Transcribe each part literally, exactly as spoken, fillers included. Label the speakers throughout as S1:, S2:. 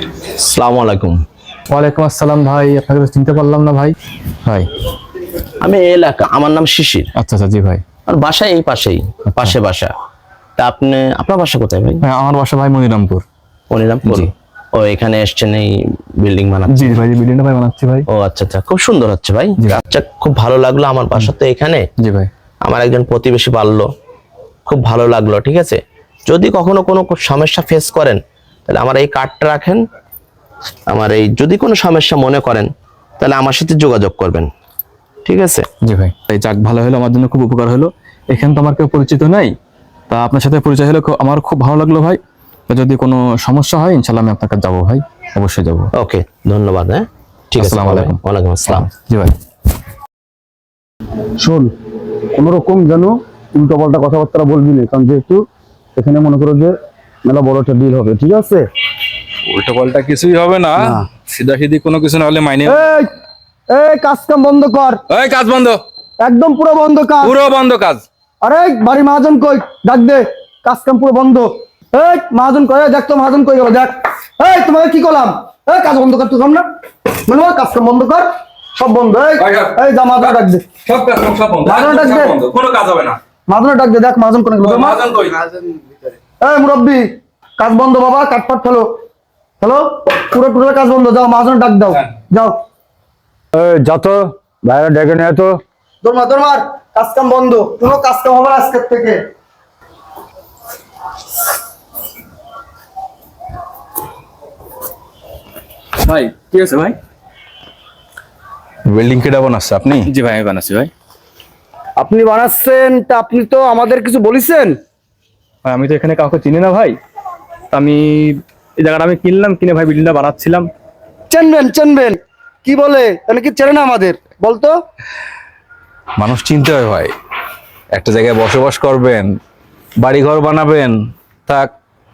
S1: আসসালামু আলাইকুম।
S2: ওয়ালাইকুম আসসালাম ভাই, আপনাকে তো চিনতে পারলাম না ভাই। ভাই
S1: আমি এই এলাকা, আমার নাম শিশির।
S2: আচ্ছা আচ্ছা, জি ভাই।
S1: আর বাসা এই পাশেই, পাশে বাসা। তা আপনি, আপনার বাসা কোথায় ভাই?
S2: হ্যাঁ, আমার বাসা ভাই মনিরামপুর।
S1: মনিরামপুর।
S2: জি।
S1: ও এখানে এসছেন এই বিল্ডিং বানাচ্ছেন?
S2: জি ভাই, বিল্ডিংটা ভাই বানাচ্ছি ভাই।
S1: ও আচ্ছা আচ্ছা, খুব সুন্দর হচ্ছে ভাই। আচ্ছা, খুব ভালো লাগলো। আমার বাসা তো এখানে।
S2: জি ভাই।
S1: আমার একজন প্রতিবেশী বাড়লো, খুব ভালো লাগলো। ঠিক আছে, যদি কখনো কোনো সমস্যা ফেস করেন তাহলে আমার এই কার্ডটা রাখেন। আমার এই যদি কোনো সমস্যা মনে করেন তাহলে আমার সাথে যোগাযোগ করবেন, ঠিক আছে?
S2: জি ভাই, এই যাক, ভালো হলো, আমার জন্য খুব উপকার হলো। এখানে তো আমার কেউ পরিচিত নাই, তা আপনার সাথে পরিচয় হলো, খুব- আমার খুব ভালো লাগলো ভাই। তো যদি কোনো সমস্যা হয় ইনশাল্লাহ আমি আপনার কাছে যাবো ভাই, অবশ্যই যাবো।
S1: ওকে, ধন্যবাদ। হ্যাঁ, ঠিক আছে।
S2: আসসালামু আলাইকুম।
S1: ওয়ালাইকুম আসসালাম।
S2: জি ভাই।
S3: শোন, কোনো রকম যেন উল্টো পাল্টা কথাবার্তা বলবি না, কারণ যেহেতু এখানে মনে করো যে মেলা বড় একটা ডিল হবে, ঠিক আছে?
S4: উল্টো পাল্টা কিছুই হবে না, সিধা সিধি কোনো কিছু না হলে মাইনে।
S3: এই এই কাজ কাম বন্ধ কর,
S4: এই কাজ বন্ধ,
S3: একদম পুরো বন্ধ কাজ।
S4: পুরো বন্ধ কাজ।
S3: আরে বাড়ি মহাজন কই, ডাক দে। কাজ কাম পুরো বন্ধ। এই মহাজন কই, দেখ তো মহাজন কই গেল, দেখ। এই তোমাকে কি করলাম? এই কাজ বন্ধ কর, তুই কাম না মানে কাজ কাম বন্ধ কর, সব বন্ধ। এই এই যা মহাজন ডাক দে,
S4: সব কাজ সব বন্ধ,
S3: মহাজন ডাক দে,
S4: কোনো কাজ হবে না।
S3: মহাজন ডাক দে, দেখ মহাজন কোন গেল।
S4: মহাজন কই?
S3: এই মুরব্বি, কাজ বন্ধ বাবা, কাটপাট ফেলো হ্যালো, পুরো পুরো কাজ বন্ধ। যাও মহাজন ডাক দাও, যাও। এই যত বাইরে ডেকে নিয়ে তো দরমার দরমার, কাজ কাম বন্ধ, কোনো কাজ কাম হবে না আজকের থেকে।
S2: ভাই কি আছে ভাই?
S4: বিল্ডিং কেডা বানাচ্ছে আপনি?
S2: জি ভাই, আমি বানাচ্ছি ভাই।
S3: আপনি বানাচ্ছেন তা আপনি তো আমাদের কিছু বলেছেন?
S2: ভাই আমি তো এখানে কাউকে চিনি না ভাই, তা আমি এই জায়গাটা আমি কিনলাম, কিনে ভাই বিল্ডিংটা বানাচ্ছিলাম।
S3: চেনবেন চেনবেন, কি বলে তাহলে কি চেনে না আমাদের বলতো?
S4: মানুষ চিনতে হয় ভাই, একটা জায়গায় বসবাস করবেন, বাড়ি ঘর বানাবেন, থাক।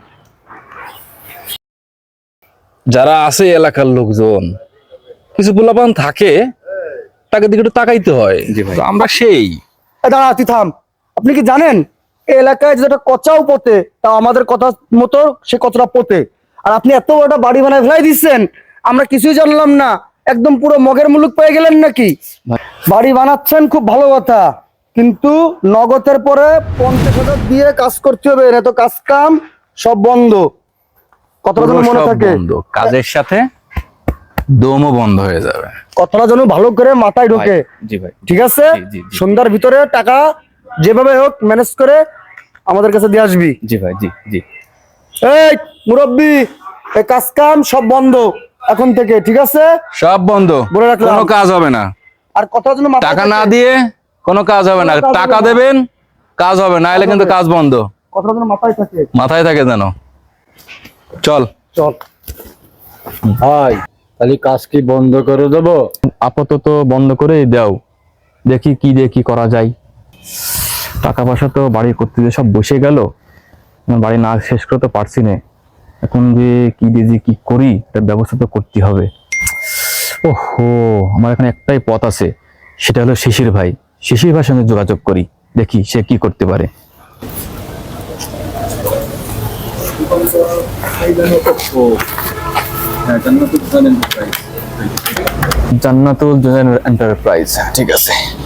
S4: যারা আছে এলাকার লোকজন, কিছু পোলাপান থাকে, তাকে দিকে একটু তাকাইতে হয়।
S2: জি ভাই।
S4: তো আমরা সেই
S3: এ দাঁড়া, তুই থাম। আপনি কি জানেন এই এলাকায় যেটা কচাও পোতে, তা আমাদের কথা মতো সে কতটা পোতে। আর আপনি এত বড় বাড়ি বানায় ফেলাই দিচ্ছেন, আমরা কিছুই জানলাম না, একদম পুরো মগের মুলুক পেয়ে গেলেন নাকি? বাড়ি বানাচ্ছেন খুব ভালো কথা, কিন্তু নগদের পরে পঞ্চাশ হাজার দিয়ে কাজ করতে হবে, না তো কাজ কাম সব বন্ধ। কথাটা যেন মনে
S4: সব
S3: থাকে,
S4: বন্ধ, কাজের সাথে দমও বন্ধ হয়ে যাবে।
S3: কথাটা যেন ভালো করে মাথায় ঢোকে।
S2: জি ভাই।
S3: ঠিক আছে?
S2: জি, জি, জি।
S3: সন্ধ্যার ভিতরে টাকা যেভাবে হোক ম্যানেজ করে আমাদের কাছে দিয়ে আসবি।
S2: জি ভাই, জি জি।
S3: এই মুরব্বি, এই কাজ কাম সব বন্ধ এখন থেকে, ঠিক আছে?
S4: সব বন্ধ,
S3: বলে রাখলাম।
S4: কোনো কাজ হবে না।
S3: আর কথা যেন মাথায়
S4: টাকা
S3: থাকে।
S4: না দিয়ে কোনো কাজ হবে না,
S3: কোনো কাজ
S4: টাকা
S3: হবে না।
S4: দেবেন কাজ হবে, না এলে কিন্তু কাজ বন্ধ।
S3: কথাটা যেন মাথায় থাকে।
S4: মাথায় থাকে যেন। চল
S3: চল
S5: ভাই, তাহলে কাজ কি বন্ধ করে দেবো?
S2: আপাতত বন্ধ করে দাও, দেখি কি দিয়ে কি করা যায়। টাকা পয়সা তো বাড়ি করতে দিয়ে সব বসে গেল, বাড়ি না শেষ করতে পারছি না। এখন যে কি দিয়ে যে কি করি, তার ব্যবস্থা তো করতে হবে। ওহো, আমার এখানে একটাই পথ আছে, সেটা হলো শিশির ভাই। শিশির ভাইয়ের সঙ্গে যোগাযোগ করি, দেখি সে কি করতে পারে। জান্নাতুল এন্টারপ্রাইজ, ঠিক আছে।